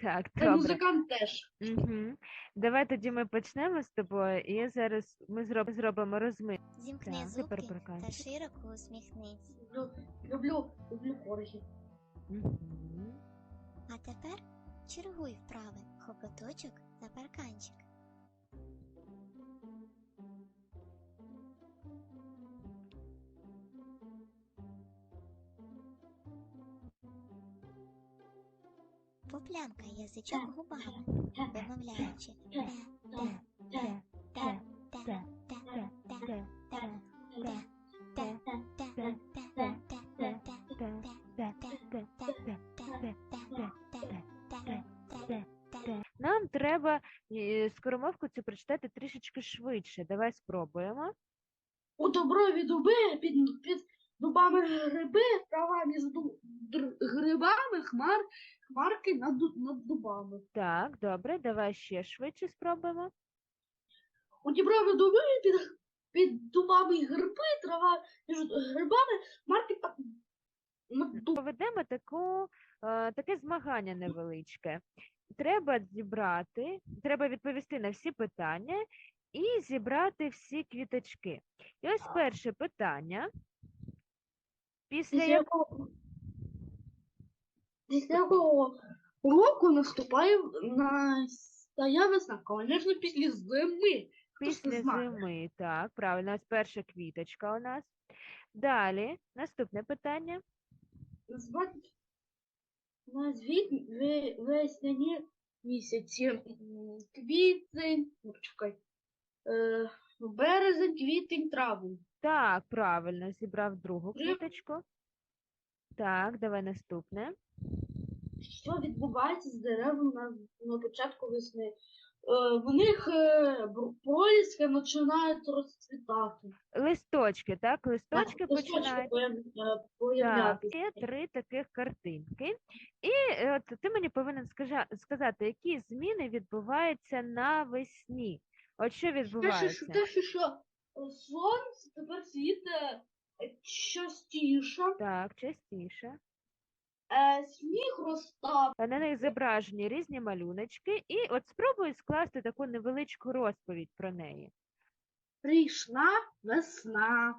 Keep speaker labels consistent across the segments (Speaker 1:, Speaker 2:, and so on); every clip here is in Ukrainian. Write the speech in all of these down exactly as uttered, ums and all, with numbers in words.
Speaker 1: Так,
Speaker 2: Та
Speaker 1: добре.
Speaker 2: музикант теж.
Speaker 1: Угу. Давай тоді ми почнемо з тобою, і я зараз ми зроб- зробимо розминку.
Speaker 3: Зімкни
Speaker 1: Так, тепер
Speaker 3: зубки та
Speaker 1: проканчик.
Speaker 3: широко усміхнись.
Speaker 2: Люблю, люблю, люблю коргі.
Speaker 1: Угу.
Speaker 3: А тепер чергуй вправи хокоточок та парканчик. Поплямкай язичок губами, вимовляючи те, те, те, те, те, те, те, те, те, те, те, те, те.
Speaker 1: Нам треба е, скоромовку цю прочитати трішечки швидше. Давай спробуємо.
Speaker 2: У доброві дуби, під, під дубами гриби, трава між ду- др- грибами, хмар, хмарки над, ду- над дубами.
Speaker 1: Так, добре, давай ще швидше спробуємо.
Speaker 2: У діброві дуби, під, під дубами гриби, трава між грибами, хмарки та над дубами.
Speaker 1: Проведемо таку, е, таке змагання невеличке. Треба зібрати, треба відповісти на всі питання і зібрати всі квіточки. І ось перше питання. Після
Speaker 2: Після
Speaker 1: як...
Speaker 2: якого, після якого року наступає настає весна? Звісно, після зими. Хто ж це
Speaker 1: Після
Speaker 2: знає?
Speaker 1: зими, так, правильно, ось перша квіточка у нас. Далі, наступне питання.
Speaker 2: Назвати назвіть ве- весняні місяці. М, Квітень, ну, почекай, е, березень, квітень, травень.
Speaker 1: Так, правильно, зібрав другу
Speaker 2: Три.
Speaker 1: квіточку. Так, давай наступне.
Speaker 2: Що відбувається з деревом на, на початку весни? Е, в них е, бр- проліски починають розцвітати.
Speaker 1: Листочки, так, листочки
Speaker 2: Так, листочки
Speaker 1: починають.
Speaker 2: появ- е,
Speaker 1: Так,
Speaker 2: появлятися.
Speaker 1: є три таких картинки. І е, от ти мені повинен скажа- сказати, які зміни відбуваються навесні. От що
Speaker 2: Те, що,
Speaker 1: відбувається?
Speaker 2: те, що, що е, сонце тепер світить е, частіше,
Speaker 1: Так, частіше.
Speaker 2: е, сніг розтав.
Speaker 1: На них зображені різні малюночки, і от спробуй скласти таку невеличку розповідь про неї.
Speaker 2: Прийшла весна.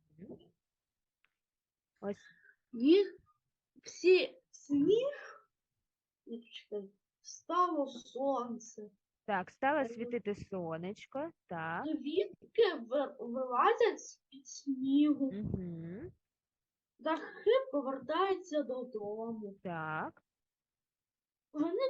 Speaker 1: Ось
Speaker 2: Сніг, всі сніг, ну, почекай, стало сонце.
Speaker 1: так, стало світити сонечко. Так.
Speaker 2: Квітки ви- вилазять з-під снігу.
Speaker 1: Угу.
Speaker 2: Дахи повертаються додому.
Speaker 1: Так.
Speaker 2: Вони